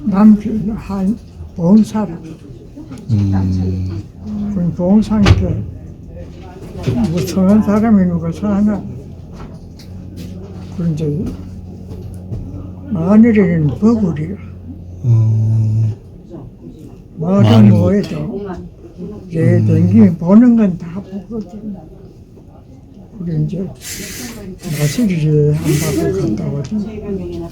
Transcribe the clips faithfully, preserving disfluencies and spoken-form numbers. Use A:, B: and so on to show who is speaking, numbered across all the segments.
A: 남편 한 봉사라.
B: 음.
A: 그 봉사니까 뭐 성한 사람이 누가 사나. 그 이제 마늘에는 버블이야.
B: 음.
A: 뭐든
B: 마늘
A: 뭐해도 제 댕기면 보는 건 다 보거든. 그래 이제 마실이를 한 바퀴 갔다 오지.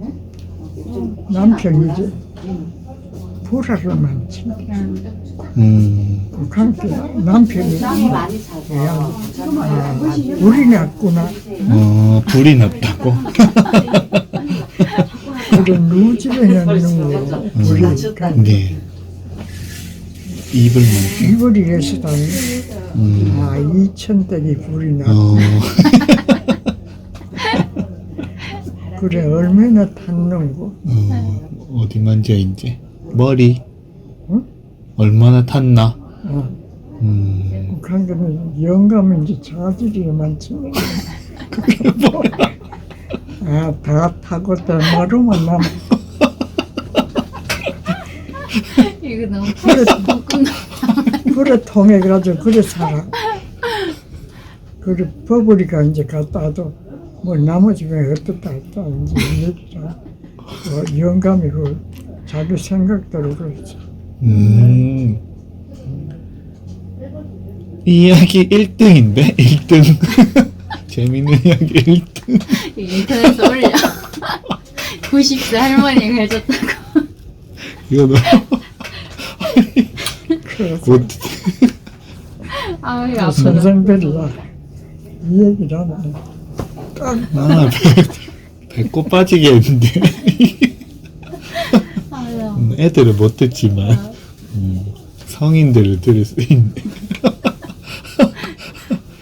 A: 남편이 이제 불화를 많지.
B: 음.
A: 그렇게 남편이 그냥 아, 불이 났구나.
B: 어, 불이 났다고?
A: 그래 누구 집에 있는 거 불이니까
B: 네. 입을 만
A: 이불이 해서다니
B: 음.
A: 아 이천 댁이 불이 나.
B: 어.
A: 그래 얼마나 탔는고.
B: 어. 어디 만져 이제? 머리?
A: 응?
B: 얼마나 탔나?
A: 어.
B: 음.
A: 그러니까 영감인지 자질이 많지. 그게 뭐야? 아다 타고 대마루만 남아.
C: 이거 너무
A: 그래
C: 볶음.
A: 그래 통해 가지고 그래 살아. 그래 버블이가 이제 갔다 와도 뭐 나머지면 어떻다 했다 이제 얘기라. 어, 영감이 그 자기 생각대로 그렇지.
B: 음. 이야기 일 등인데? 일 등. 재밌는 이야기 일 등.
C: 인터넷에 올려. 구십 세 할머니가 해줬다고.
B: 이거 너무.
A: 그래서
B: 곧.
C: 아유
A: 그
C: 아프다.
A: 선생들이야 이 얘기를 하면 딱
B: 아, 배, 배꼽 빠지겠는데.
C: 아유.
B: 음, 애들은 못 듣지만, 음, 성인들은 들을 수 있네.